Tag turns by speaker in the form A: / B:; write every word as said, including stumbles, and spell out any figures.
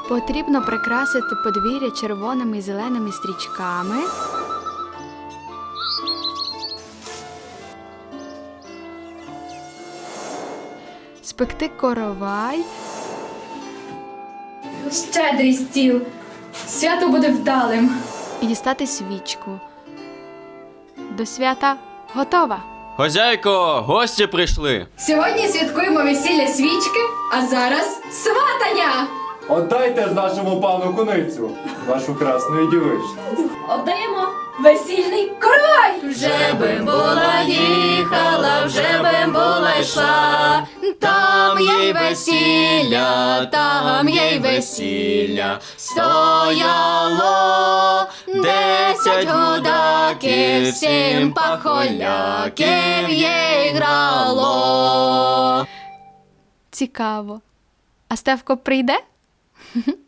A: Потрібно прикрасити подвір'я червоними і зеленими стрічками. Спекти коровай.
B: Щедрий стіл. Свято буде вдалим.
A: І дістати свічку. До свята готова.
C: Хозяйко, гості прийшли.
B: Сьогодні святкуємо весілля свічки, а зараз сватання!
D: Отдайте ж нашому пану куницю, нашу красну дівичку.
B: Отдаємо весільний коровай!
E: Вже би була їхала, вже би була йшла, там їй весілля, там їй весілля, стояло десять гудаків, сім пахоляків їй грало.
A: Цікаво. А Стевко прийде?